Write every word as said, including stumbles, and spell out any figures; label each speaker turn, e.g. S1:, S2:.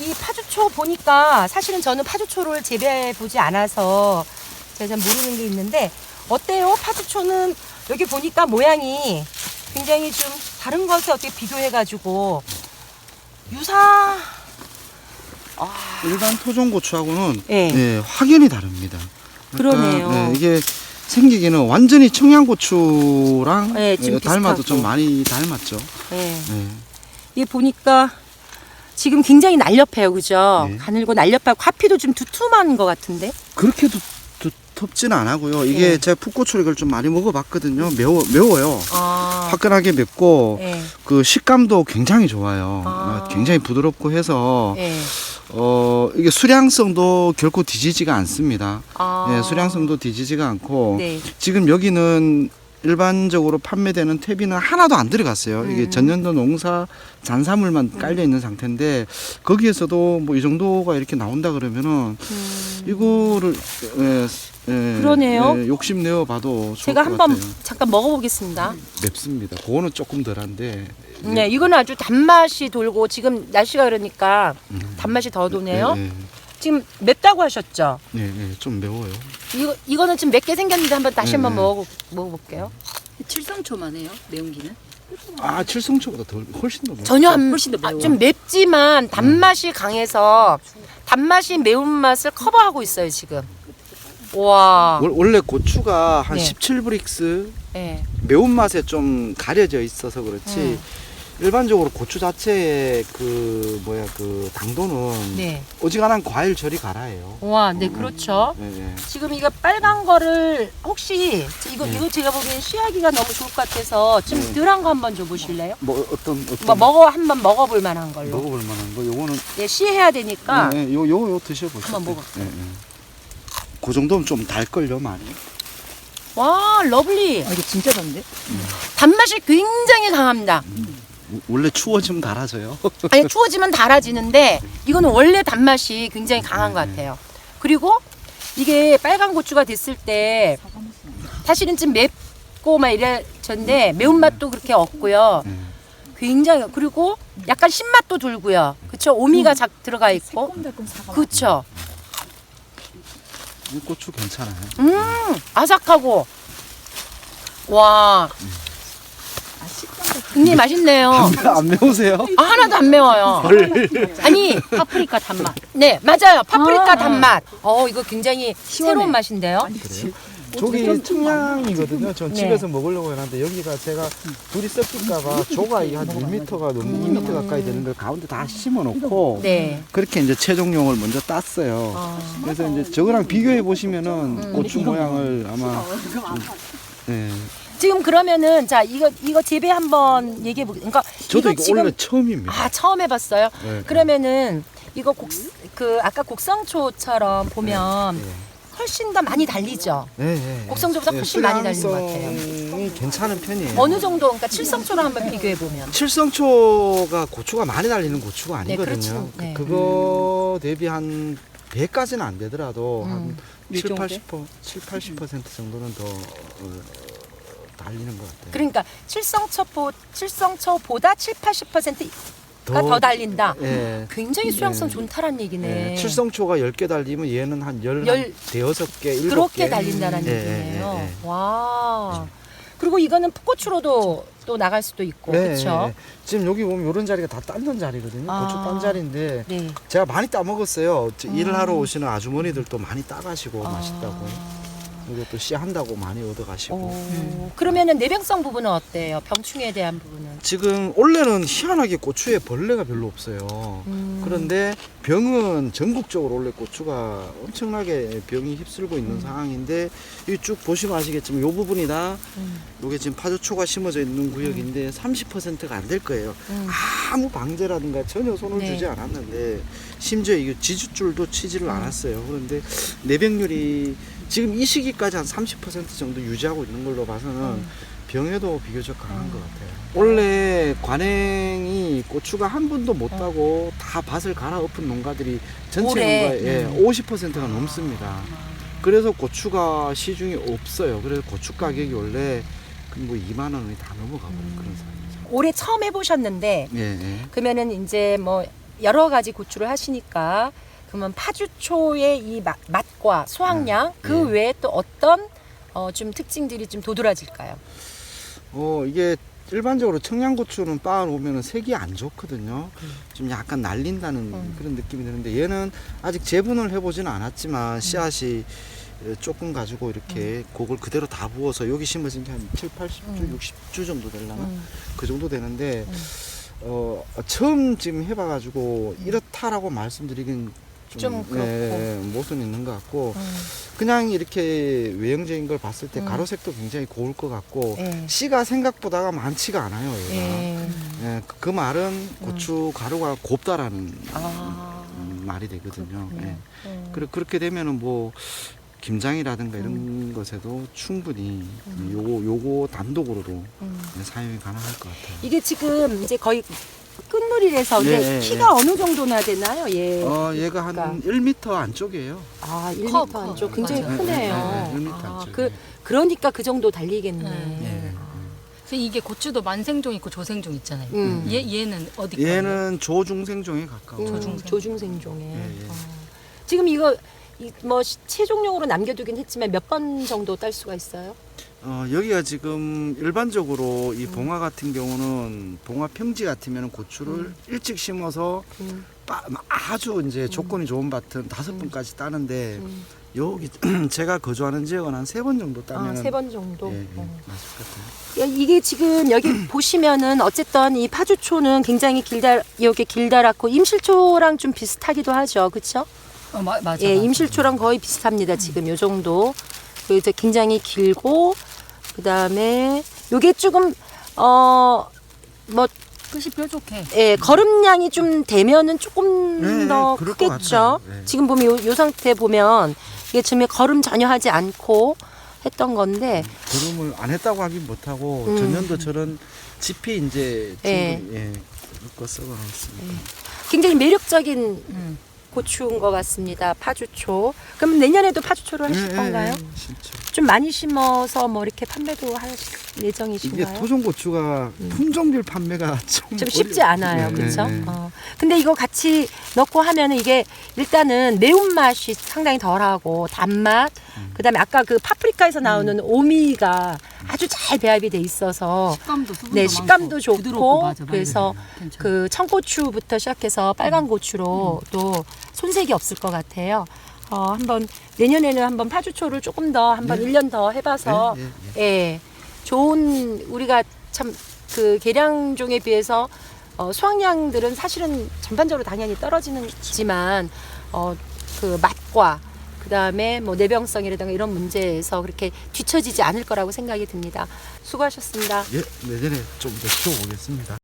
S1: 이 파주초 보니까 사실은 저는 파주초를 재배해 보지 않아서 제가 잘 모르는 게 있는데 어때요? 파주초는 여기 보니까 모양이 굉장히 좀 다른 것에 어떻게 비교해가지고 유사 아,
S2: 일반 토종고추하고는
S1: 네.
S2: 예, 확연히 다릅니다.
S1: 그러네요.
S2: 예, 이게 생기기는 완전히 청양고추랑
S1: 네, 좀
S2: 예, 닮아도
S1: 비슷하고.
S2: 좀 많이 닮았죠.
S1: 네.
S2: 예.
S1: 이게 보니까 지금 굉장히 날렵해요, 그죠?
S2: 네.
S1: 가늘고 날렵하고 화피도 좀 두툼한 것 같은데.
S2: 그렇게 두, 두텁지는 않고요. 이게
S1: 네.
S2: 제가 풋고추를 이걸 좀 많이 먹어봤거든요. 매워 매워요.
S1: 아,
S2: 화끈하게 맵고
S1: 네.
S2: 그 식감도 굉장히 좋아요.
S1: 아.
S2: 어, 굉장히 부드럽고 해서
S1: 네.
S2: 어 이게 수량성도 결코 뒤지지가 않습니다.
S1: 아.
S2: 예, 수량성도 뒤지지가 않고
S1: 네.
S2: 지금 여기는 일반적으로 판매되는 퇴비는 하나도 안 들어갔어요. 이게
S1: 음.
S2: 전년도 농사 잔사물만 깔려 있는 상태인데 거기에서도 뭐 이 정도가 이렇게 나온다 그러면은
S1: 음.
S2: 이거를 예, 예,
S1: 그러네요.
S2: 예, 욕심 내어 봐도 좋을
S1: 제가
S2: 것
S1: 한번
S2: 같아요.
S1: 잠깐 먹어보겠습니다.
S2: 맵습니다. 그거는 조금 덜한데.
S1: 네, 이거는 아주 단맛이 돌고 지금 날씨가 그러니까
S2: 음.
S1: 단맛이 더 도네요.
S2: 예, 예,
S1: 지금 맵다고 하셨죠?
S2: 예, 예, 좀 매워요.
S1: 이거 이거는 지금 맵게 생겼는데 한번 다시
S2: 네,
S1: 한번
S2: 네.
S1: 먹어 먹어볼게요.
S3: 칠성초만 해요? 매운기는?
S2: 아, 칠성초보다 덜 훨씬 더 매워.
S1: 전혀 안,
S3: 훨씬 더
S1: 아,
S3: 매워.
S1: 좀 맵지만 단맛이 강해서 단맛이 매운맛을 커버하고 있어요 지금. 와.
S2: 월- 원래 고추가 한
S1: 네.
S2: 십칠 브릭스
S1: 네.
S2: 매운맛에 좀 가려져 있어서 그렇지
S1: 음.
S2: 일반적으로 고추 자체의 그 뭐야 그 당도는
S1: 네.
S2: 어지간한 과일 저리 가라예요.
S1: 와, 네 그렇죠.
S2: 네, 네.
S1: 지금 이거 빨간 거를 혹시 이거
S2: 네.
S1: 이거 제가 보기엔 씨하기가 너무 좋을 것 같아서 좀
S2: 네.
S1: 덜한 거 한번 줘보실래요?
S2: 뭐 어떤 어떤
S1: 뭐 먹어 한번 먹어볼 만한 걸로.
S2: 먹어볼 만한 거 요거는
S1: 네, 씨해야 되니까.
S2: 네, 네, 요 요거 요 드셔보세요.
S1: 한번 먹어볼게요.
S2: 네, 네. 그 정도면 좀 달걸요 많이.
S1: 와, 러블리.
S3: 아, 이거 진짜 단데?
S1: 단맛이 굉장히 강합니다.
S2: 우- 원래 추워지면 달아져요.
S1: 아니 추워지면 달아지는데 이거는 원래 단맛이 굉장히 강한 것 같아요. 그리고 이게 빨간 고추가 됐을 때 사실은 좀 맵고 막 이래졌는데 매운맛도 그렇게 없고요.
S2: 네.
S1: 굉장히 그리고 약간 신맛도 돌고요. 그렇죠? 오미가 작 들어가 있고.
S3: 새콤달콤 사과.
S1: 그렇죠.
S2: 이 고추 괜찮아요.
S1: 음, 아삭하고 와,
S3: 아, 식감도
S1: 굉장히 맛있네요.
S2: 안 매우세요?
S1: 아, 하나도 안 매워요. 아니,
S3: 파프리카 단맛.
S1: 네, 맞아요. 파프리카
S3: 아,
S1: 단맛. 어, 이거 굉장히
S3: 시원해.
S1: 새로운 맛인데요.
S2: 그래요? 저기 청양이거든요. 전
S1: 네.
S2: 집에서 먹으려고 해놨는데 여기가 제가 둘이 섞일까봐 조각이 한 일 미터가 넘 이 미터 가까이 되는 걸 가운데 다 심어놓고
S1: 네.
S2: 그렇게 이제 채종용을 먼저 땄어요.
S1: 어,
S2: 그래서 이제 저거랑 비교해 보시면은
S1: 음.
S2: 고추 모양을 아마 네.
S1: 지금 그러면은 자 이거 이거 재배 한번 얘기해 보게. 그러니까
S2: 저도 이거,
S1: 지금
S2: 원래 처음입니다.
S1: 아 처음 해봤어요.
S2: 네,
S1: 그러면은 이거 곡 그 아까 곡성초처럼 보면
S2: 네.
S1: 훨씬 더 많이 달리죠.
S2: 네, 네.
S1: 곡성초보다 훨씬 많이 달린 것 같아요.
S2: 수량성이 괜찮은 편이에요.
S1: 어느 정도 그러니까 칠성초랑 한번 비교해 보면.
S2: 칠성초가 고추가 많이 달리는 고추가
S1: 네,
S2: 아니거든요.
S1: 그렇죠. 네.
S2: 그, 거 대비 한 배까지는 안 되더라도
S1: 음.
S2: 한
S3: 이
S2: 칠,
S3: 정도?
S2: 팔십 퍼센트, 칠, 팔십 퍼센트 정도는 더 어, 달리는 것 같아요.
S1: 그러니까 칠성초보 칠성초보다 칠, 팔십 퍼센트가 더 달린다.
S2: 예.
S1: 굉장히 수용성
S2: 네.
S1: 좋다란 얘기네.
S2: 예. 칠성초가 열 개 달리면 얘는 한 열,
S1: 열-
S2: 한 대여섯 개, 일곱
S1: 그렇게
S2: 개.
S1: 달린다는
S2: 예,
S1: 얘기네요.
S2: 예, 예, 예.
S1: 와. 그리고 이거는 풋고추로도 또 나갈 수도 있고,
S2: 네,
S1: 그렇죠?
S2: 네. 지금 여기 보면 이런 자리가 다 딴던 자리거든요.
S1: 아.
S2: 고추 딴 자리인데
S1: 네.
S2: 제가 많이 따 먹었어요. 저
S1: 음.
S2: 일을 하러 오시는 아주머니들도 많이 따가시고
S1: 아.
S2: 맛있다고. 그리고 또 씨 한다고 많이 얻어가시고.
S1: 오, 그러면은 내병성 부분은 어때요? 병충해에 대한 부분은?
S2: 지금 원래는 희한하게 고추에 벌레가 별로 없어요.
S1: 음.
S2: 그런데 병은 전국적으로 원래 고추가 엄청나게 병이 휩쓸고 있는 상황인데 이 쭉 보시면 아시겠지만 이 부분이 다
S1: 음.
S2: 이게 지금 파주초가 심어져 있는 구역인데 삼십 퍼센트가 안 될 거예요.
S1: 음.
S2: 아무 방제라든가 전혀 손을
S1: 네.
S2: 주지 않았는데 심지어 이거 지주줄도 치지를
S1: 음.
S2: 않았어요. 그런데 내병률이 지금 이 시기까지 한 삼십 퍼센트 정도 유지하고 있는 걸로 봐서는
S1: 음.
S2: 병에도 비교적 강한
S1: 음.
S2: 것 같아요. 원래 관행이 고추가 한 분도 못 따고 다 밭을 갈아엎은 농가들이 전체
S1: 올해.
S2: 농가의 예,
S1: 음.
S2: 오십 퍼센트가 넘습니다. 그래서 고추가 시중에 없어요. 그래서 고추 가격이 원래 뭐 이만 원이 다 넘어가 버린
S1: 음.
S2: 그런 상황이죠.
S1: 올해 처음 해보셨는데,
S2: 예, 예.
S1: 그러면은 이제 뭐 여러 가지 고추를 하시니까 그러면 파주초의 이 맛, 맛과 수확량 그
S2: 예.
S1: 외에 또 어떤 어, 좀 특징들이 좀 도드라질까요?
S2: 어 이게 일반적으로 청양고추는 빻아놓으면 색이 안 좋거든요.
S1: 음.
S2: 좀 약간 날린다는
S1: 음.
S2: 그런 느낌이 드는데 얘는 아직 재분을 해보지는 않았지만 씨앗이 조금 가지고 이렇게 그걸 그대로 다 부어서 여기 심어진 게 한 칠, 팔십 주,
S1: 음.
S2: 육십 주 정도 되려나?
S1: 음.
S2: 그 정도 되는데
S1: 음.
S2: 어 처음 지금 해봐가지고 이렇다라고 말씀드리긴 좀,
S1: 좀 그렇고.
S2: 예, 모순이 있는 것 같고
S1: 음.
S2: 그냥 이렇게 외형적인 걸 봤을 때
S1: 음.
S2: 가로색도 굉장히 고울 것 같고
S1: 예.
S2: 씨가 생각보다가 많지가 않아요. 얘가.
S1: 예.
S2: 예, 그, 그 말은 고추 가루가 곱다라는
S1: 아.
S2: 음, 말이 되거든요.
S1: 그렇군요.
S2: 예.
S1: 음.
S2: 그래, 그렇게 되면은 뭐 김장이라든가 이런
S1: 음.
S2: 것에도 충분히 요거 요거 단독으로도
S1: 음.
S2: 예, 사용이 가능할 것 같아요.
S1: 이게 지금 이제 거의 끝물이라서 근데
S2: 예, 예,
S1: 키가
S2: 예.
S1: 어느 정도나 되나요? 예.
S2: 어, 얘가 한
S1: 그러니까.
S2: 일 미터 안쪽이에요.
S1: 아, 일
S3: 커,
S1: 미터
S3: 커.
S1: 안쪽 굉장히
S3: 맞아요.
S1: 크네요.
S2: 예, 예, 예, 일 미터
S1: 아,
S2: 안쪽.
S1: 그 그러니까 그 정도 달리겠네.
S3: 네.
S2: 예.
S3: 그래서 이게 고추도 만생종 있고 조생종 있잖아요.
S1: 음.
S3: 얘 얘는 어디 거예요?
S2: 얘는 조중생종에 가까워.
S1: 음,
S2: 요
S3: 조중생.
S1: 조중생종에.
S2: 예, 예.
S1: 어. 지금 이거 이, 뭐 시- 최종용으로 남겨두긴 했지만 몇 번 정도 딸 수가 있어요?
S2: 어, 여기가 지금 일반적으로
S1: 음.
S2: 이 봉화 같은 경우는 봉화 평지 같으면 고추를
S1: 음.
S2: 일찍 심어서
S1: 음,
S2: 빠- 아주 이제 조건이 좋은 밭은 다섯 번까지 따는데
S1: 음.
S2: 여기 제가 거주하는 지역은 한 세 번 정도 따면
S1: 아, 세 번 정도.
S2: 예, 예,
S1: 어.
S2: 맞을 것 같아요.
S1: 야, 이게 지금 여기 보시면은 어쨌든 이 파주초는 굉장히 길다 여기 길다랗고 임실초랑 좀 비슷하기도 하죠, 그렇죠?
S3: 어, 마, 맞아.
S1: 예,
S3: 맞아.
S1: 임실초랑 거의 비슷합니다. 지금 요 정도. 그리고 이제 굉장히 길고 그다음에 요게 조금 어 뭐
S3: 끝이 뾰족해.
S1: 예, 걸음량이 좀 되면은 조금
S2: 네,
S1: 더
S2: 그럴 것
S1: 크겠죠.
S2: 같아요. 네.
S1: 지금 보면 요, 요 상태 보면 이게 지금 걸음 전혀 하지 않고 했던 건데
S2: 걸음을 안 했다고 하긴 못하고
S1: 음.
S2: 전년도처럼 짚이 이제
S1: 예.
S2: 충분히 예, 묶어 썩어 놓습니다.
S1: 굉장히 매력적인
S3: 음.
S1: 고추인 것 같습니다. 파주초. 그럼 내년에도 파주초를 하실
S2: 예,
S1: 건가요?
S2: 예, 예, 진짜.
S1: 좀 많이 심어서 뭐 이렇게 판매도 하실
S2: 이게
S1: 예정이신가요?
S2: 토종고추가
S1: 음.
S2: 품종별 판매가 좀,
S1: 좀 쉽지
S2: 어려-
S1: 않아요,
S2: 예,
S1: 그렇죠?
S2: 예, 예.
S1: 어. 근데 이거 같이 넣고 하면은 이게 일단은 매운 맛이 상당히 덜하고 단맛,
S2: 음.
S1: 그다음에 아까 그 파프리카에서 나오는 오미가 아주 잘 배합이 돼 있어서
S3: 식감도 수분도
S1: 네
S3: 많고
S1: 식감도
S3: 부드럽고,
S1: 좋고
S3: 맞아, 맞아.
S1: 그래서
S3: 괜찮아.
S1: 그 청고추부터 시작해서 빨간 고추로 또 손색이 없을 것 같아요. 어, 한번 내년에는 한번 파주초를 조금 더 한번
S2: 네.
S1: 일 년 더 해봐서
S2: 예, 예,
S1: 예, 좋은 우리가 참 그 계량종에 비해서 어, 수확량들은 사실은 전반적으로 당연히 떨어지는지만 어, 그 맛과 그 다음에 뭐 내병성이라든가 이런 문제에서 그렇게 뒤처지지 않을 거라고 생각이 듭니다. 수고하셨습니다.
S2: 예, 내년에 좀 더 키워보겠습니다.